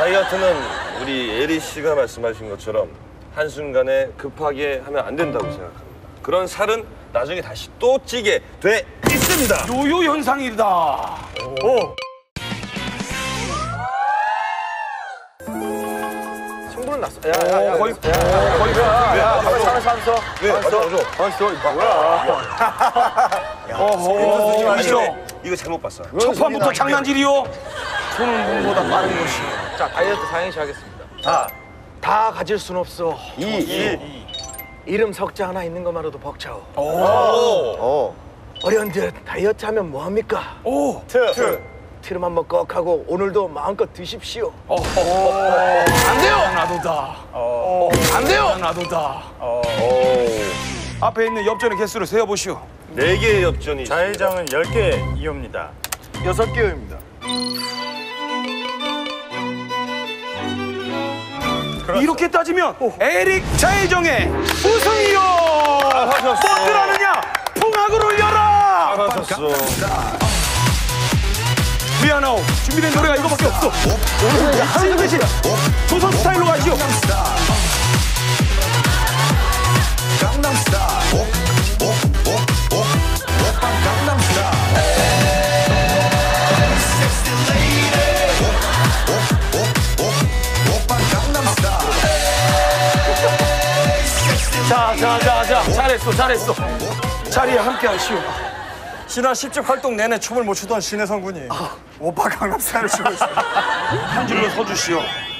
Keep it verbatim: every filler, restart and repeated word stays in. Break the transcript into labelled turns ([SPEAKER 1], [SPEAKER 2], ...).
[SPEAKER 1] 다이어트는 우리 예리 씨가 말씀하신 것처럼 한순간에 급하게 하면 안 된다고 생각합니다. 그런 살은 나중에 다시 또 찌게 돼 있습니다.
[SPEAKER 2] 요요 현상이다. 오.
[SPEAKER 3] 충분히 났어. 야, 야, 야,
[SPEAKER 2] 거의,
[SPEAKER 3] 야, 야, 거의 가. 야, 가만있어, 가만있어.
[SPEAKER 1] 왜? 맞아, 맞아.
[SPEAKER 3] 가만있어. 뭐야?
[SPEAKER 2] 어허,
[SPEAKER 1] 이거, 이거 잘못 봤어.
[SPEAKER 2] 첫 판부터 장난질이요? 손은 눈보다 빠른 것이.
[SPEAKER 3] 자, 다이어트 사행시 하겠습니다. 다, 다 가질 순 없어.
[SPEAKER 1] 이, 이.
[SPEAKER 3] 이름 석자 하나 있는 것만으로도 벅차오.
[SPEAKER 1] 오. 오.
[SPEAKER 3] 어려운데 다이어트 하면 뭐합니까?
[SPEAKER 2] 오.
[SPEAKER 1] 트. 트.
[SPEAKER 3] 트름 한번 꺽 하고 오늘도 마음껏 드십시오.
[SPEAKER 2] 안 돼요! 나도다. 안 돼요! 나도다. 앞에 있는 엽전의 개수를 세어보시오.
[SPEAKER 1] 네 개의 엽전이
[SPEAKER 4] 좌회전은 열 개 이호입니다.
[SPEAKER 3] 여섯 개입니다.
[SPEAKER 2] 이렇게 따지면 에릭 좌회정의 우승이요!
[SPEAKER 1] 하셨어.
[SPEAKER 2] 뭐들하느냐? 풍악을 울려라!
[SPEAKER 1] 잘하셨어.
[SPEAKER 2] 미안하오. 준비된 노래가 이거밖에 없어. 오늘 하루 대신 조선 스타일로 가시오. 자, 자, 자, 자. 잘했어, 잘했어. 자리에 함께 하시오.
[SPEAKER 4] 신화 십 집 활동 내내 춤을 못 추던 신혜성 군이 오빠 강남스타일을 추고 있어요.
[SPEAKER 2] 한 줄로 서주시오.